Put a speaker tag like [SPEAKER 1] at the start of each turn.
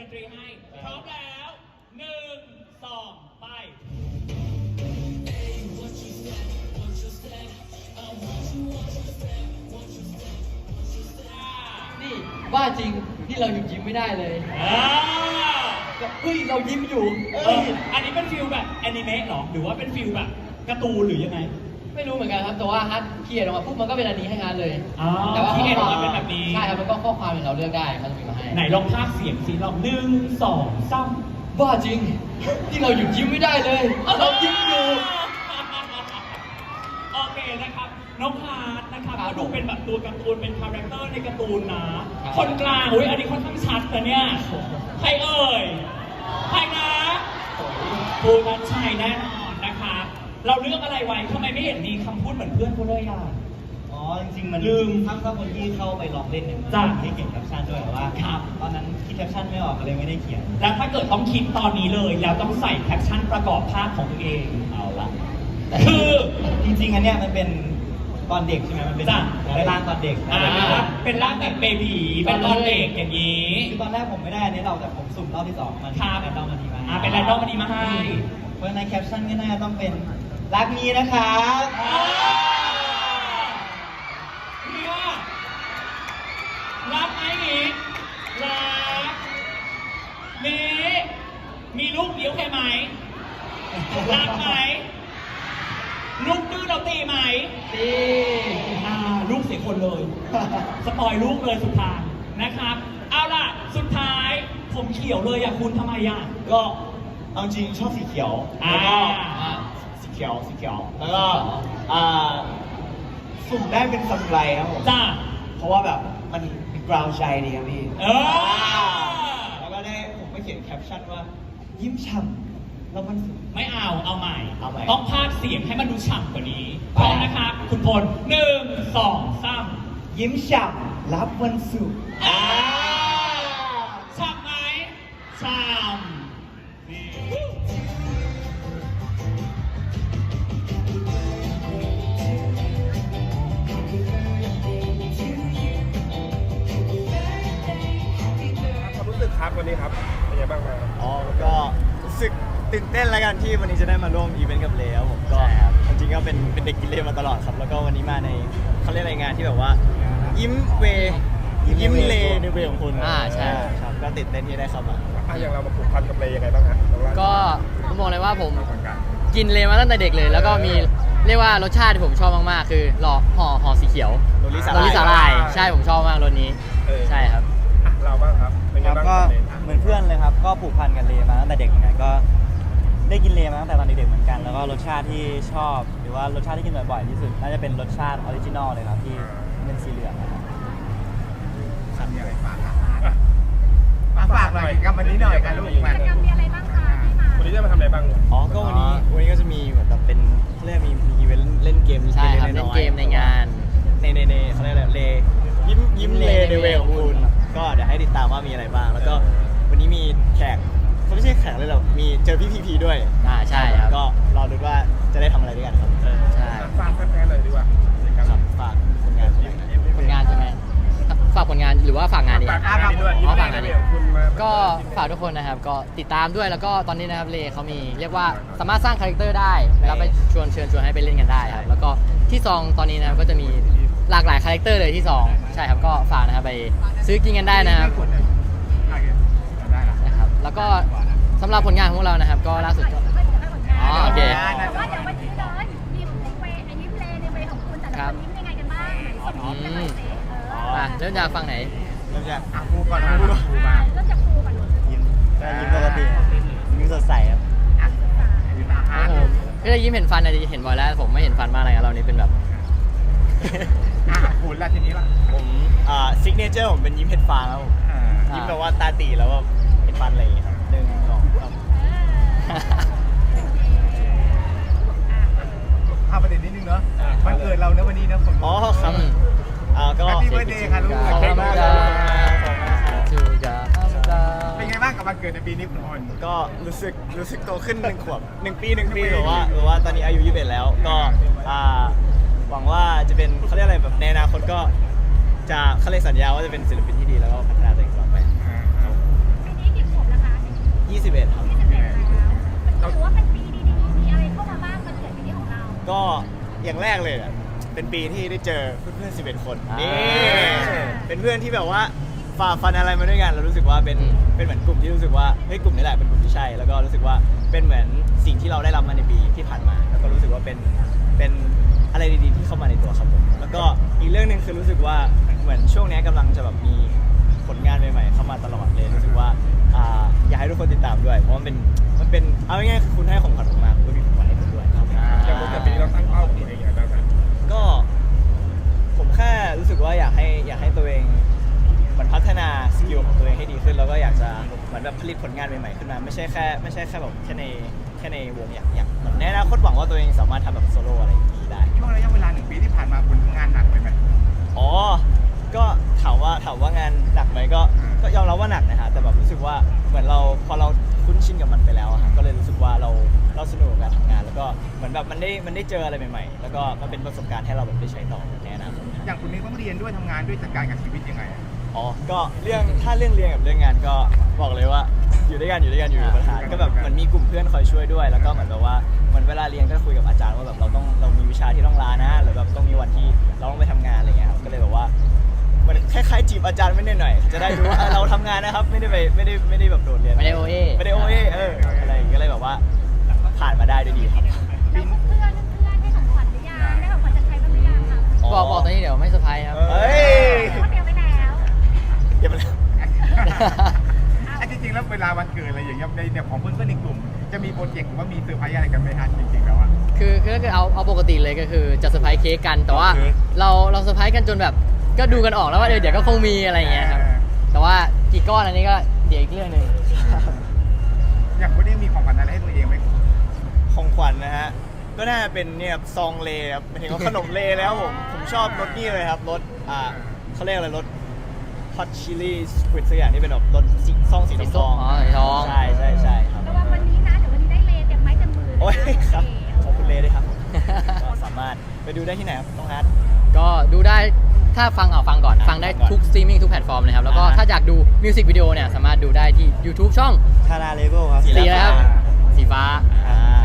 [SPEAKER 1] นตรีให้พร้อมแล้ว1 2 ไป
[SPEAKER 2] นี่ว่าจริงที่เราหยุดยิ้มไม่ได้เลยเฮ้ยเรายิ้มอยู่
[SPEAKER 1] อันนี้เป็นฟิลแบบแอนิเมะหรอหรือว่าเป็นฟิลแบบการ์ตูนหรือยังไง
[SPEAKER 2] ไม่รู้เหมือนกันครับแต่ว่าฮัทเขียนออกมาปุ๊บมันก็เป็นอันนี้ให้ฮัทเลย
[SPEAKER 1] แต่ว่าที่เขียนออกมาเป็นแบบนี้
[SPEAKER 2] ใช่ครับแล้วก็ข้อความเราเลือกได้มันจะมีมาให้
[SPEAKER 1] ไหนลองพากย์เสียงสิลอง1 2 3
[SPEAKER 2] ว่าจริงที่เราหยุดยิ้มไม่ได้เลยเรายิ้มอยู่
[SPEAKER 1] โอเคนะครับน้องฮาร์ดนะครับก็ดูเป็นแบบตัวการ์ตูนเป็นคาแรคเตอร์ในการ์ตูนนะคนกลางอุ้ยอันนี้ค่อนข้างชัดแต่เนี่ยใครเอ่ยใครนะภูมิชัยแน่นอนนะครับเราเลือกอะไรไว้ทำไมไม่เห็นมีคำพูดเหมือนเพื่อนเขาเลยอ่ะ
[SPEAKER 3] อ๋อจริงๆมัน
[SPEAKER 1] ลืม
[SPEAKER 3] ถ้าคนที่เข้าไปลองเล่นเนี่ย
[SPEAKER 1] จ้ะ
[SPEAKER 3] ให้เขียนแคปชั่นด้วยแต่ว่าตอนนั้นคิดแคปชั่นไม่ออกก็เลยไม่ได้เขียน
[SPEAKER 1] แล้วถ้าเกิดต้องคิดตอนนี้เลยแล้วต้องใส่แคปชั่นประกอบภาพของตัวเองเอาละคือ
[SPEAKER 3] จริงๆอันเนี้ยมันเป็นตอนเด็กใช่ไหมมันเป็นร่างตอนเด็ก
[SPEAKER 1] เป็นร่างแบบเบบีเป็นตอนเด็กอย่างนี้
[SPEAKER 3] คือตอนแรกผมไม่ได้อันนี้เราแต่ผมสุ่มรอบที่2มัน
[SPEAKER 1] แรนดอม
[SPEAKER 3] มาดีมา
[SPEAKER 1] เป็นแรนดอมมาดีมาให้
[SPEAKER 3] เพราะในแคปชั่นก็น่าจะต้องเป็นรักนี้นะครับ
[SPEAKER 1] เนี่ยรักไหมนี้รักนี้มีลูกเดียวใช่ไหมรักไหมลูกดื้อเราตีไหม
[SPEAKER 2] ตี
[SPEAKER 1] ลูกเสียคนเลยสปอยลูกเลยสุดท้ายนะครับเอาล่ะสุดท้ายผมเขียวเลยอ่ะคุณทำไมอ่ะ
[SPEAKER 3] ก็เอาจริงชอบสีเขียวแล้วก็สีเขียวแล้วก็สุ่มได้เป็นซามูไรครับผม
[SPEAKER 1] จ้า
[SPEAKER 3] เพราะว่าแบบมันมีกราวใจดีครับพี่แล้วก็ได้ผมก็เขียนแคปชั่นว่ายิ้มฉ่ำแล้วมัน
[SPEAKER 1] ไม่เอาใหม่ต้องพากย์เสียงให้มันดูฉ่ำกว่านี้พร้อมนะครับคุณพล1 2 3
[SPEAKER 3] ยิ้มฉ่ำรับวันศุกร์
[SPEAKER 1] ฉ่ำไหมฉ่ำ
[SPEAKER 4] ครับวันนี้ครับเป็นยังไงบ้างครับ
[SPEAKER 3] ก็รู้สึกตื่นเต้นแล้วกันที่วันนี้จะได้มาร่วมอีเวนต์กับเลครับผมก็จริงๆก็เป็นเด็กกินเลมาตลอดครับแล้วก็วันนี้มาในเขาเรียกอะไรงานที่แบบว่ายิ้มเลในเวของคุณ
[SPEAKER 2] ใช่
[SPEAKER 3] ครับก็ตื่นเต้นที่ได้เข้ามา
[SPEAKER 4] อย่างเรามาผูกพันกับเลยังไงบ้างฮะ
[SPEAKER 2] ก็ผมบอกเลยว่าผมกินเลมาตั้งแต่เด็กเลยแล้วก็มีเรียกว่ารสชาติที่ผมชอบมากๆคือห่อสีเขียว
[SPEAKER 3] โรลิสา
[SPEAKER 2] ลายใช่ผมชอบมากรสนี้ใช่ครับ
[SPEAKER 4] เราบ้างครับ
[SPEAKER 3] ก็เหมือนเพื่อนเลยครับก็ผูกพันกันเลมาตั้งแต่เด็กเหมือนกันก็ได้กินเลมาตั้งแต่ตอนเด็กๆเหมือนกันแล้วก็รสชาติที่ชอบหรือว่ารสชาติที่กินบ่อยๆที่สุดน่าจะเป็นรสชาติออริจินอลเลยครับที่เป็นสีเหลืองนะครับ
[SPEAKER 4] มีอะไรฝากหน่อยกับวันนี้หน่อยกันลูก
[SPEAKER 5] กิจกรรมมีอะไรบ้างคะที่มา
[SPEAKER 4] วันนี้จะมาทำอะไรบ้าง
[SPEAKER 3] ก็วันนี้ก็จะมีเหมือนแบบเป็นเรียกมีอีเวนต์เล่นเกม
[SPEAKER 2] ใช่ครับเล่นเกมในงาน
[SPEAKER 3] ในเขาเรียกอะไรเลยิ้มเลในเวของคุณก็เดี๋ยวให้ติดตามว่ามีอะไรบ้างแล้วก็วันนี้มีแขกเขาไม่ใช่แขกเลยหรอกมีเจอพี่พีด้วย
[SPEAKER 2] ใช่ครับ
[SPEAKER 3] ก็รอดูว่าจะได้ทำอะไรด้วยกันครับ
[SPEAKER 2] ใช่
[SPEAKER 4] ฝากแฟนๆเลยดีกว่า
[SPEAKER 3] ครับฝากผลงาน
[SPEAKER 2] ใช่ไหมฝากผลงานหรือว่าฝากงานดี
[SPEAKER 4] ฝากงานด้วย
[SPEAKER 2] ฝากงานดีก็ฝากทุกคนนะครับก็ติดตามด้วยแล้วก็ตอนนี้นะครับเลเขามีเรียกว่าสามารถสร้างคาแรคเตอร์ได้แล้วไปเชิญชวนให้ไปเล่นกันได้ครับแล้วก็ที่ซองตอนนี้นะครับก็จะมีหลากหลายคาแรคเตอร์เลยที่2ใช่ครับก็ฝากนะครับไปซื้อกินกันได้นะครับแล้วก็สำหรับผลงานของเรานะครับก็ล่าสุดก็โอเค
[SPEAKER 5] ว่าเดี๋ยววันนี้เลยยิ้มในเวของคุณแต่ละคนยิ้มยังไงกันบ้าง
[SPEAKER 2] เริ่มจากฟังไหน
[SPEAKER 3] เริ่มจาก
[SPEAKER 4] ครูก่อนครูมา
[SPEAKER 5] เริ่มจากครูก่อน
[SPEAKER 3] ยิ้มปกติยิ้มสดใสครับ
[SPEAKER 2] ก็จะยิ้มเห็นฟันเห็นบ่อยแล้วผมไม่เห็นฟันมากเลยครับเรานี่เป็นแบบ
[SPEAKER 4] คุณละทีนี้ล่ะ
[SPEAKER 3] ผมซิกเนเจอร์ผมเป็นยิ้มเห็ดฟางแล้วยิ้มแบบว่าตาตีแล้วก็เห็ดฟันอะไรอย่างเงี้ยครับ1 2 3
[SPEAKER 4] ประเด็นนิดนึงเนาะวันเกิดเราเนอะวันนี้นะผม
[SPEAKER 3] ครับก็
[SPEAKER 4] แฮปปี้เบิร์ธเดย์ค่ะลูกขอบคุณมากเป็นไงบ้างกับวันเกิดในปีนี้คุณพล
[SPEAKER 3] ก็รู้สึกโตขึ้น1 ขวบ1 ปีหรือว่าตอนนี้อายุ21แล้วก็หวังว่าจะเป็นเขาเรียกอะไรแบบในอนาคตก็จะเขาเรียกสัญญาว่าจะเป็นศิลปินที่ดีแล้วก็พัฒนาตัวเองต่อไป
[SPEAKER 5] ปีนี้กี่ขวบ
[SPEAKER 3] อย่างแรกเลยอะเป็นปีที่ได้เจอเพื่อนๆ11 คน
[SPEAKER 2] อ่านี่
[SPEAKER 3] นี่เป็นเพื่อนที่แบบว่าฝ่าฟันอะไรมาด้วยกันเรารู้สึกว่าเป็นเหมือนกลุ่มที่รู้สึกว่าเฮ้ยกลุ่มนี้แหละเป็นกลุ่มที่ใช่แล้วก็รู้สึกว่าเป็นเหมือนสิ่งที่เราได้รับมาในปีที่ผ่านมา แล้วก็รู้สึกว่าเป็นอะไรดีๆที่เข้ามาในตัวครับผมแล้วก็อีกเรื่องหนึ่งคือรู้สึกว่าเหมือนช่วงนี้กำลังจะแบบมีผลงานใหม่ๆเข้ามาตลอดเลยรู้สึกว่าอยากให้ทุกคนติดตามด้วยเพราะมันเป็นเอาง่ายๆคือคุณให้ของขวัญผมมาผมก็มีของขวัญให้คุณด้วยครับ
[SPEAKER 4] อย่างปกติเราตั้งเป้าตัวเองอย่างไรบ้าง
[SPEAKER 3] ก็ผมแค่รู้สึกว่าอยากให้ตัวเองเหมือนพัฒนาสกิลของตัวเองให้ดีขึ้นแล้วก็อยากจะเหมือนแบบผลิตผลงานใหม่ๆขึ้นมาไม่ใช่แค่แบบแค่ในวงอย่างเหมือนในอนาคตหวังว่าตัวเองสามารถทำแบบโซโล่อะไรอย่างนี้ได้
[SPEAKER 4] ช่วงระยะเวลา1 ปีที่ผ่านมาคุณทำงานหนักไปไหม
[SPEAKER 3] อ๋อก็ถามว่างานหนักไหมก็ยอมรับว่าหนักนะฮะแต่แบบรู้สึกว่าเหมือนเราพอเราคุ้นชินกับมันไปแล้วอะฮะก็เลยรู้สึกว่าเราสนุกกับการทำงานแล้วก็เหมือนแบบมันได้เจออะไรใหม่ๆแล้วก็มันเป็นประสบการณ์ให้เราแบบได้ใช้ต่อในอนาคต
[SPEAKER 4] อย่างคุณนี้ต้องเรียนด้วยทำงานด้วยจัดการกับชีวิตยังไงอะ
[SPEAKER 3] อ๋อ ก็ถ้าเรื่องเรียนกับเรื่องงานก็บอกเลยว่าอยู่ด้วยกันอยู่ประธานก็แบบเหมือนมีกลุ่มเพื่อนคอยช่วยด้วยแล้วก็เหมือนแบบว่าเหมือนเวลาเรียนก็คุยกับอาจารย์ว่าแบบเรามีวิชาที่ต้องลานะหรือแบบต้องมีวันที่เราต้องไปทำงานอะไรเงี้ยครับก็เลยแบบว่าเหมือนคล้ายๆจีบอาจารย์ไม่ได้หน่อยจะได้รู้ว่าเราทำงานนะครับไม่ได้แบบโดดเรียน
[SPEAKER 2] ไม่ได้ OA
[SPEAKER 3] อะไรอย่างเงี้ยก็เลยแบบว่าผ่านมาได้ด้วยดีครับ
[SPEAKER 5] แล้วเพื่อนให้ของขวัญหรือยังได้ของขวัญจากใครบ้างหรือยังคะ
[SPEAKER 2] บอกตอนนี้เดี๋ยวไม่เซอร์ไพรส์ครับ
[SPEAKER 3] เฮ้ย
[SPEAKER 5] เขาเตรียมไว้แล้ว
[SPEAKER 3] เดี๋ยวมัน
[SPEAKER 4] อ่ะจริงๆแล้วเวลาวันเกิดอะไรอย่างเงี้ยในของเพื่อนๆในกลุ่มจะมีโปรเจกต์หรือว่ามีเซอร์ไพรส์อะไรกันไหมฮะจริงๆแล้วอะ
[SPEAKER 2] คือถ้าเกิดเอาปกติเลยก็คือจะเซอร์ไพรส์เค้กกันแต่ว่า
[SPEAKER 3] เค้ก
[SPEAKER 2] เราเซอร์ไพรส์กันจนแบบก็ดูกันออกแล้วว่าเดี๋ยวก็คงมีอะไรอย่างเงี้ยครับแต่ว่ากี่ก้อนอันนี้ก็เดี๋ยวอีกเรื่องหนึ่ง
[SPEAKER 4] อย่างคุณนี่มีของขวัญอะไรให้ตัวเองไหม
[SPEAKER 3] ของขวัญนะฮะ ก็น่าจะเป็นเนี่ยซองเลครับหมายถึงว่าขนมเลแล้วผมชอบรสนี่เลยครับรสเขาเรียกอะไรรสฮอตชิลลี่สควิดสักอย่างที่เป็นแบบรสซองสีทอง
[SPEAKER 2] อ๋อสีทอง
[SPEAKER 3] ใช่ครับ
[SPEAKER 5] ระวังวันนี้นะเดี๋ยววันนี้ได้เลเต็มไม้เต็มมือ
[SPEAKER 3] โอ้ยครับขอบคุณเลด้วยครับ ก็สามารถไปดูได้ที่ไหนครับน้องฮัท
[SPEAKER 2] ก็ดูได้ถ้าฟังก่อนฟังได้ทุกสตรีมมิ่งทุกแพลตฟอร์มเลยครับแล้วก็ถ้าอยากดูมิวสิกวิดีโอเนี่ยสามารถดูได้ที่ YouTube ช่อง
[SPEAKER 3] ทาราเลเวลครับ
[SPEAKER 2] สีอะไรครับสีฟ้า
[SPEAKER 3] อ่า